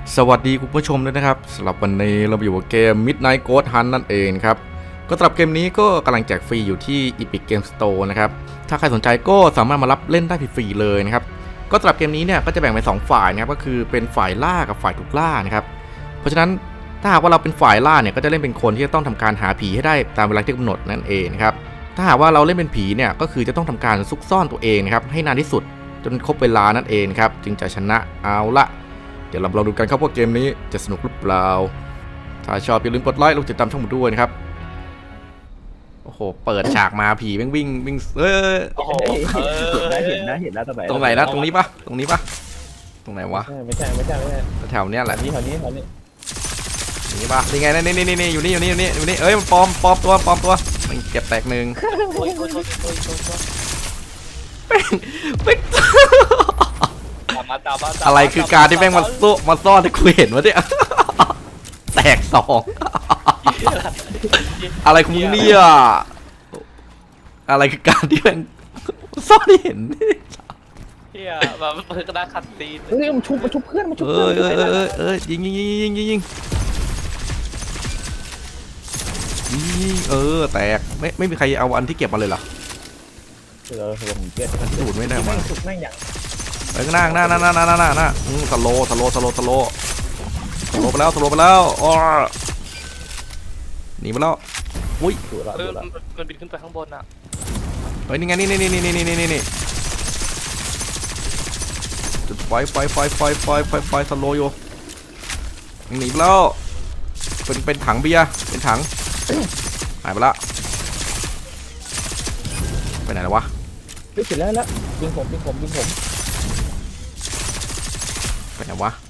สวัสดีคุณผู้ชมด้วยนะครับสำหรับวันนี้เราอยู่กับเกม Midnight Ghost Hunt นั่นเองครับก็สำหรับเกมนี้ก็กำลังแจกฟรีอยู่ที่ Epic Game Store นะครับถ้าใครสนใจก็สามารถมารับเล่นได้ฟรีๆเลยนะครับก็สำหรับเกมนี้เนี่ยก็จะแบ่งเป็น2ฝ่ายนะครับก็คือเป็นฝ่ายล่ากับฝ่ายถูกล่านะครับเพราะฉะนั้นถ้าหากว่าเราเป็นฝ่ายล่าเนี่ยก็จะเล่นเป็นคนที่จะต้องทำการหาผีให้ได้ตามเวลาที่กำหนดนั่นเองนะครับถ้าหากว่าเราเล่นเป็นผีเนี่ยก็คือจะต้องทำการซุกซ่อนตัวเองนะครับให้นานที่สุดจนครบเวลานั่นเองครับจึงจะชนะเอาละเดี๋ยวเราดูกันครับว่าเกมนี้จะสนุกหรือเปล่าถ้าชอบอย่าลืมกดไลค์และติดตามช่องผมด้วยนะครับโอ้โหเปิดฉากมาผีวิ่งโอ้โหเห็นแล้วตรงไหนนะตรงนี้ปะตรงไหนวะไม่ใช่แถวเนี้ยแหละนี้นี่ปะนี่ไงนี่อยู่นี่เอ้ยมันปลอมตัวมันเก็บแตกหนึ่งเป็นอะไรคือการที่แม่งมาซ่อนที่กูเห็นวะเนี่ยแตกสองอะไรของมึงเนี่ยอะไรคือการที่แม่งซ่อนที่เห็นเฮียแบบมันก็ได้ขัดตีนเฮ้ยมันชุบเพื่อนยิงแตกไม่มีใครเอาอันที่เก็บมาเลยเหรอผมเก็บสูดไม่ได้มาสุดแม่งอย่างหน้าสโลไปแล้วอ๋อหนีมาแล้วอุ้ยมันบินขึ้นไปข้างบนอ่ะเฮ้ยนี่ไงนี่จุดไฟสโลอยู่หนีไปแล้วเป็นถังเบียร์เป็นถังหายไปละไปไหนแล้ววะเสร็จแล้วยิงผมไปไหนวะ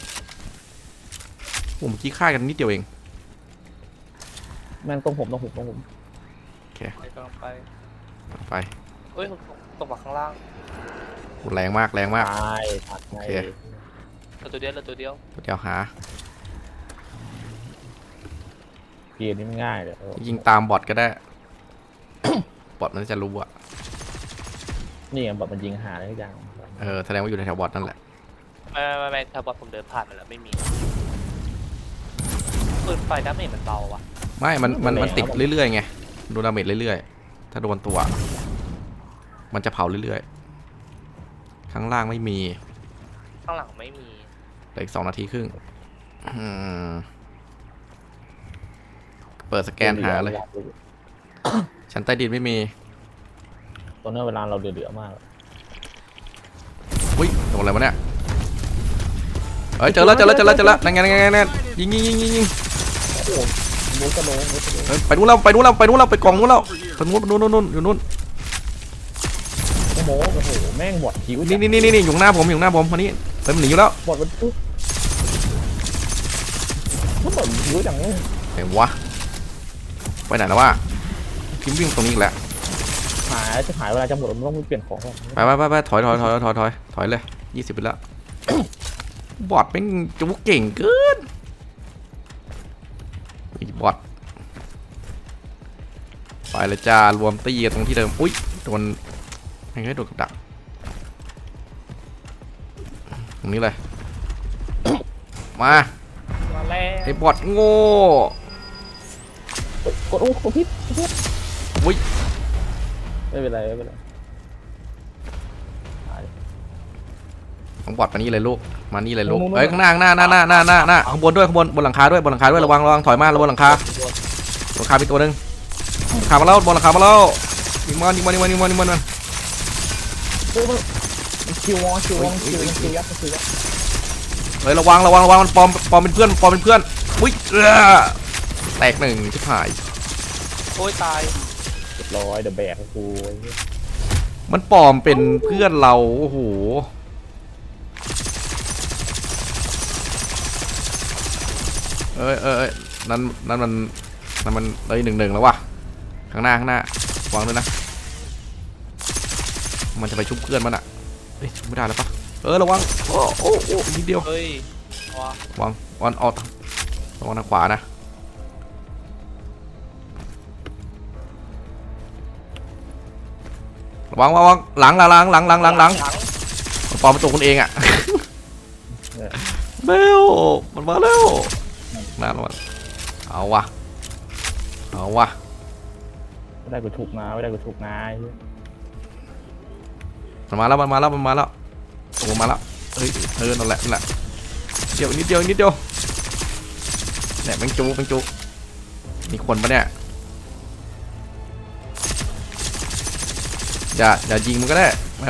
เมื่อกี้ฆ่ากันนิดเดียวเองแม่งตรงผมโอเคไปเฮ้ยตกมาข้างล่างแรงมากโอเคตัวเดียวหาเกมนี้ง่ายเลยยิงตามบอทก็ได้บอทมันจะรู้อะนี่บอทมันยิงหาได้ทุกอย่างแสดงว่าอยู่ในแถวบอทนั่นแหละไม่แถวบอทผมเดินผ่านมาแล้วไม่มีปืนไฟดาเมจมันเบาวะไม่มันติดเรื่อยๆไงโดนดาเมจเรื่อยๆถ้าโดนตัวมันจะเผาเรื่อยๆข้างล่างไม่มีข้างหลังไม่มีเหลืออีก2 นาทีครึ่งเปิดสแกนหาเลยชั้นใต้ดินไม่มีตอนนี้เวลาเราเดือดมากอุ้ยโดนอะไรวะเนี่ยเฮ้ยเจอแล้วนั่งไงยิงไปนู้นแล้วไปกล่องนู้นแล้วไปนู่นอยู่นู่นโอ้โหแม่งบอดคิวนี่อยู่หน้าผมคนนี้มันหนีอยู่แล้วบอดมันปุ๊บมันบอดคิวจังเลยเห็นวะไปไหนแล้ววะพิมพ์วิ่งตรงนี้อีกแล้วจะหายเวลาจะหมดมันต้องเปลี่ยนของไปถอยเลย20ไปแล้วบอทเป็นจุกเก่งเกินบอทไปเลยจ้ารวมตีตรงที่เดิมอุ้ยโดนยังไงโดนกับดักตรงนี้เลยมาไอ้บอทโง่กดพิษอุ้ยไม่เป็นไรของบอทมานี่เลยลูกเอ้ยข้างหน้าข้างบนด้วยบนหลังคาด้วยระวังถอยมาบนหลังคามีตัวนึงขามาแล้วบนหลังคามาแล้วยิงมันคิวยักษ์เฮ้ยระวังมันปลอมเป็นเพื่อนอุ้ยแตก1ชิบหายโอ้ยตายเรียบร้อยเดอะแบกกูมันปลอมเป็นเพื่อนเราโอ้โหนั่นมันเลย1-1แล้ววะข้างหน้าวางด้วยนะมันจะไปชุบเพื่อนมันอ่ะเฮ้ยไม่ได้แล้วปะระวังโอ้นิดเดียวเฮ้ยวางออกระวังทางขวานะระวังหลังปลอมประตูคนเองอ่ะเร็วมันมาแล้วนานวันเอาวะเอาวะไม่ได้กูถูกนะไม่ได้กูถูกนะไอ้เหี้ยมันมาแล้วมันมาแล้วมันมาแล้วโอ้มาแล้วเฮ้ยนั่นแหละนั่นแหละเดียวนิดเดียวนิดเดียวเนี่ยแมงจูมีคนปะเนี่ยอย่ายิงมันก็ได้ไม่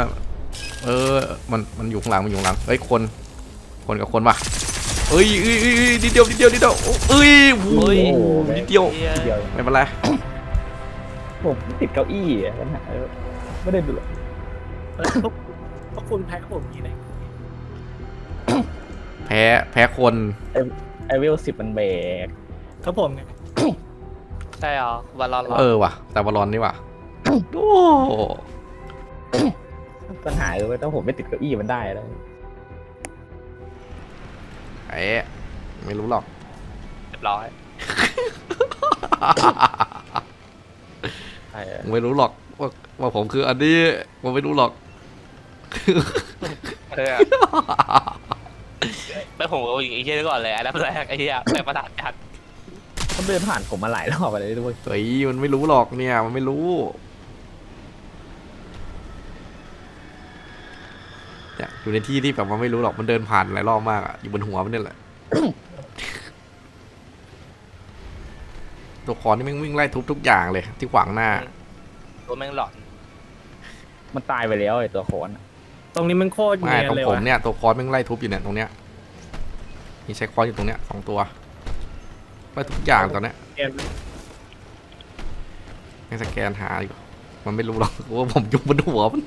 มันอยู่ข้างหลังมันอยู่ข้างหลังเฮ้ยคนกับคนปะเอ้ยนิดเดียวเอ้ยโอ้ยโอ้โหแม่งนิดเดียวเหี้ยเดียวไม่เป็นไรผมติดเก้าอี้อะปัญหาไม่ได้ดูหรอกพวกคุณแพ้ผมอย่างนี้เลยแพ้คนไอเวล10มันแบกครับผมไงใช่เหรอวันรอนว่ะแต่บอลลอนนี่ว่ะโอ้ปัญหาคือว่าถ้าผมไม่ติดเก้าอี้มันได้แล้วไอ้ไม่รู้หรอกเรียบร้อยใช่ไม่รู้หรอกว่าผมคืออันนี้ผมไม่รู้หรอกแล้วผมก็ยิงไอ้เหี้ยก่อนเลยอันดับแรกไอ้เหี้ยแปลประสาทจัดเขาเดินผ่านผมมาหลายรอบอะไรด้วยเฮ้ยมันไม่รู้หรอกเนี่ยมันไม่รู้เนี่ยอยู่ในที่ที่แบบมันไม่รู้หรอกมันเดินผ่านหลายรอบมากอะอยู่บนหัวมันเนี่ยแหละ ตัวคอนนี่แม่งวิ่งไล่ทุบทุกอย่างเลยที่ขวางหน้าตัวแม่งหลอนมันตายไปแล้วไอตัวโคนตรงนี้มันโคตรไม่เนียนตรงเลยผมว่ะเนี่ยตัวคอนแม่งไล่ทุบอยู่เนี่ยตรงเนี้ยมีใช้คอนอยู่ตรงเนี้ย2 ตัวไล่ทุกอย่างตอนเนี้ยเกมให้สแกนหาอยู่มันไม่รู้หรอกว่าผมอยู่บนหัวมัน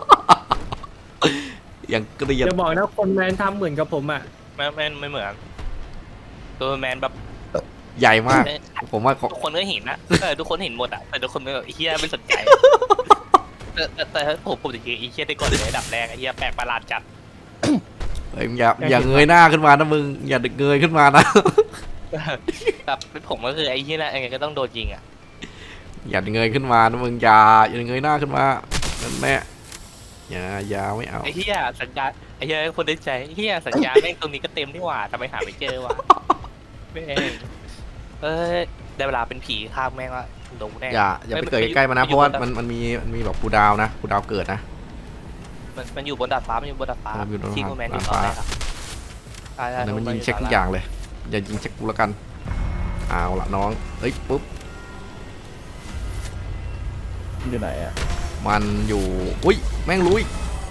อย่างเกลียดจะบอกนะคนแมนทำเหมือนกับผมอ่ะไม่เหมือนตัวแมนแบบใหญ่มาก ผมว่าทุกคนก็เห็นนะทุกคนเห็นหมดอ่ะแต่ทุกคนไม่แบบไอ้เหี้ยไม่สนใจแต่ผมจะยิงไอ้เหี้ยได้ก่อนเลยอันดับแรกไอ้เหี้ยแปลกประหลาดจัดเฮ้ยมึงอย่าเงยหน้าขึ้นมานะมึงอย่าเงยขึ้นมานะแบบผมก็คือไอ้เหี้ยนะยังไงก็ต้องโดนยิงอ่ะอย่าเงยขึ้นมานะมึงอย่าเงยหน้าขึ้นมานั่นแม่อย่าไม่เอาไอ้เหี้ยสัญญาไอ้เหี้ยคนได้ใจไอ้เหี้ยสัญญาแม่งตรงนี้ก็เต็มนี่หว่าทำไมหาไม่เจอวะแม่งได้เวลาเป็นผีข้ามแม่งละโดนแน่อย่าไปเกิดใกล้ๆมันนะเพราะว่ามันมีแบบคูลดาวน์นะคูลดาวน์เกิดนะมันอยู่บนดาดฟ้ามันอยู่บนดาดฟ้ามันอยู่บนที่กูแมนอยู่ดาดตอนฟ้าแรกครับใช่แต่มันยิงเช็คทุกอย่างเลยอย่ายิงเช็คกูแล้วกันเอาละน้องเฮ้ยปุ๊บอยู่ไหนอ่ะมันอยู่อุ้ยแม่งลุย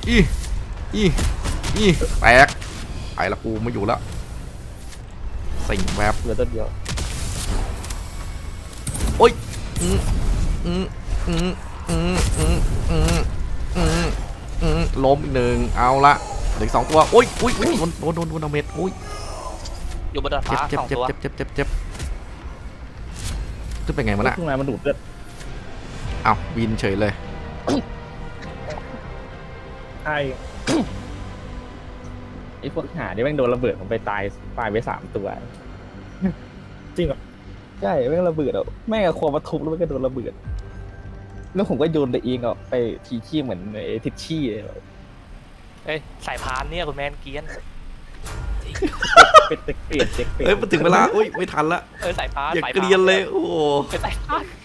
อีแตกไปละกูไม่อยู่แล้วสิ่งแบบเหลือตัวเดียวโอ้ยล้มอีกหนึ่งเอาละเหลือ2 ตัวโอ้ยโดนเอาเม็ดโอ้ยอยู่บนดาดฟ้าเจ็บสองตัวขึ้นไปไงมันอะข้างในมันดูดเลือดอ้าววินเฉยเลยใช่ไอ้พวกหาที่แม่งโดนระเบิดผมไปตายไป3 ตัวจริงเหรอใช่แม่งระเบิดอ่ะแม่งเอาควงมาทุบแล้วมันก็โดนระเบิดแล้วผมก็โยนตัวเองออกไปทีขี้เหมือนไอ้ทิชชี่เลยเอ้ยสายพานเนี่ยคุณแมนเกียนเป็นเปลี่ยนเจ็กเปลี่ยนเฮ้ยมันถึงเวลาอุ้ยไม่ทันละสายพานอย่าสายเกพานลียนเลยโอ้โหเป็นสายพาน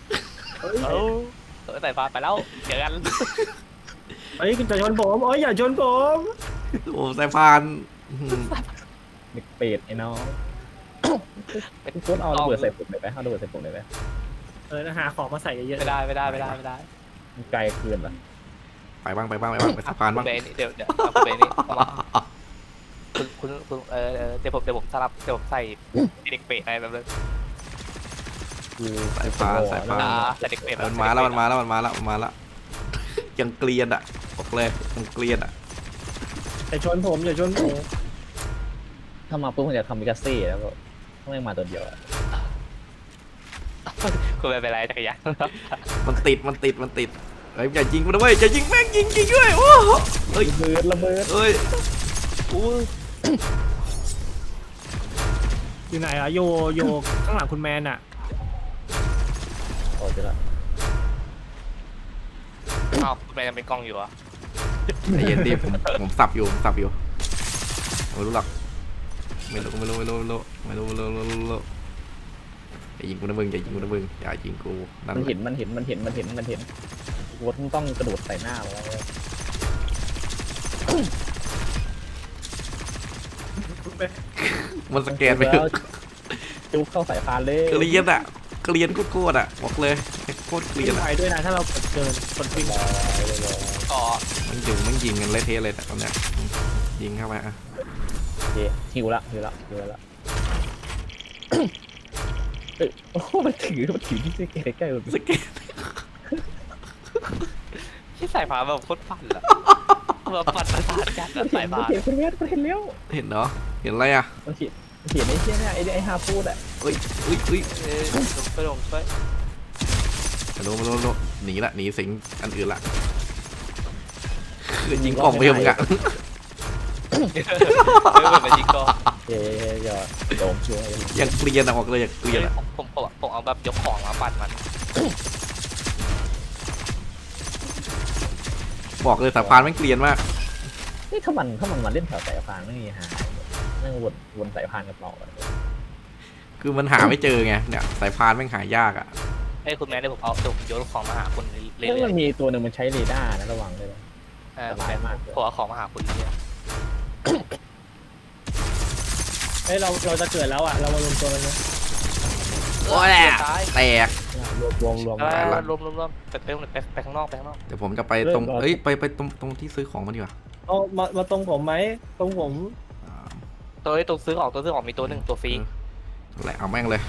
สายพานไปแล้วเจอกันเอ้ยคุณจะชนผมเอ้ยอย่าชนผมโอ้สายพานเด็กเปรตไอ้น้องพี่โค้ดเอาระเบิดใส่ผมเลยไหมเอาระเบิดใส่ผมเลยไหมหาของมาใส่เยอะไม่ได้ไม่ได้มันไกลเกินเหรอไปบ้างไปสะพานบ้างเดี๋ยวคุณเบนนี่คุณเดี๋ยวผมสลับเดี๋ยวผมใส่เด็กเปรตอะไรแบบนั้นคือสายพานสายพานใส่เด็กเปรตมันมาแล้วยังเกลียนอ่ะบอกเลยยังเกลียนอ่ะๆอย่าชนผมอย่าชนผมถ้ามาปุ๊บผมจะทำมิกาเซ่แล้วก็ต้องเล่นมาตัวเดียวอะคุณไม่เป็นไรจักรยานมันติดเฮ้ยอย่ายิงมันด้วยอย่ายิงแม่งยิงด้วยโอ้เฮ้ยระเบิดเฮ้ยโอ้ยอยู่ไหนอะโยข้างหลังคุณแมนอะโอ้เจอละอ้าวคุณแมนยังเป็นกล้องอยู่อ่ะใจเย็นดิผมสับอยู่ไม่รู้หรอกไม่รู้อย่ายิงกูนะมึงอย่ายิงกูนั่นมันแหเห็ละนวดต้องกระโดดใส่หน้าเราเลยมันสแกนไปแล้วจุ๊บเข้าสายพานเลยเกลียนโคตรอ่ะบอกเลยโคตรเกลียวิ่นงอ่ะไปด้วยนะถ้าเรากดเกินกดวิ่งอ๋อมันยิงกันเละเทะเลยแต่ตอนเนี้ยยิงเข้าไปอ่ะโอเคหิวละเอ้ยโอ้โหมันถือที่ใกล้ๆมันสแกนที่สายฟ้าแบบโคตรปั่นอะแบบปั่นประสาทกันอะสายฟ้าเห็นคุณเวทเห็นแล้วเห็นเนาะเห็นอะไรอ่ะมันเห็นไอ้เชี่ยเนี่ยไอ้ฮาฟูดอ่ะเอ้ยช่วยลงช่วยมาโลหนีละหนีสิงอันอื่นละคือยิงกล่องไปยังอ่ะไม่เหมือนมันยิงก็เย้ยอดโดมช่วยยังเกลียนอ่ะบอกเลยอย่างเกลียนอ่ะผมเอาแบบยกของมาปั่นมันบอกเลยสายพานแม่งเกลียนมากนี่ถ้ามันมาเล่นแถวสายพานไม่มีหานั่งวนสายพานกับเราคือมันหาไม่เจอไงเนี่ยสายพานแม่งหายากอ่ะไอ้คุณแม่เดี๋ยวผมโยนของมาหาคุณเรื่เรื่องอยมันมีตัวหนึ่งมันใช้เรดาร์นะระวังเลยนะๆผมเอาของมาหาคุณเรื่อยเฮ้ยเราจะเกิดแล้วอ่ะเรามารวมตัวกันนะโอ้ยแหละแตกรวมรวมไปข้างนอกเดี๋ยวผมจะไปตรงเอ้ยไปตรงที่ซื้อของมันดีกว่าเอามาตรงผมไหมตรงผมอ่าตัวซื้อของมีตัวหนึ่งตัวฟรีแหละเอาแม่งเลย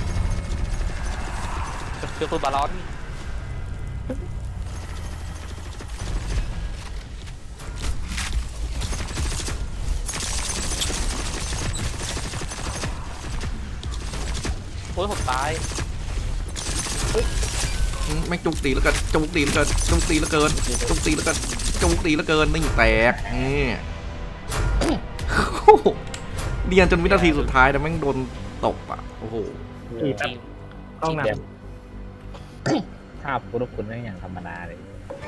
คือคุณบาลอนโอ้ยผมตายแม่งจุกตีแล้วกันจุกตีแล้วเกินนี่แตกนี่เรียนจนวินาทีสุดท้ายแต่แม่งโดนตบอ่ะโอ้โหอีกแป๊บต้องนภาพพุทธคุณไม่อย่างธรรมดาเลย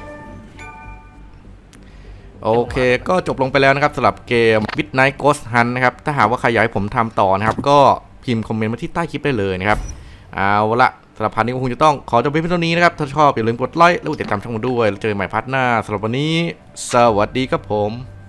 โอเคก็จบลงไปแล้วนะครับสำหรับเกม Midnight Ghost Hunt นะครับถ้าหากว่าใครอยากให้ผมทำต่อนะครับก็พิมพ์คอมเมนต์มาที่ใต้คลิปได้เลยนะครับเอาละสำหรับพาร์ทนี้ก็คงจะต้องขอจบเพียงเท่านี้นะครับถ้าชอบอย่าลืมกดไลค์และกดติดตามช่องผมด้วยแล้วเจอกันใหม่พาร์ทหน้าสำหรับวันนี้สวัสดีครับผม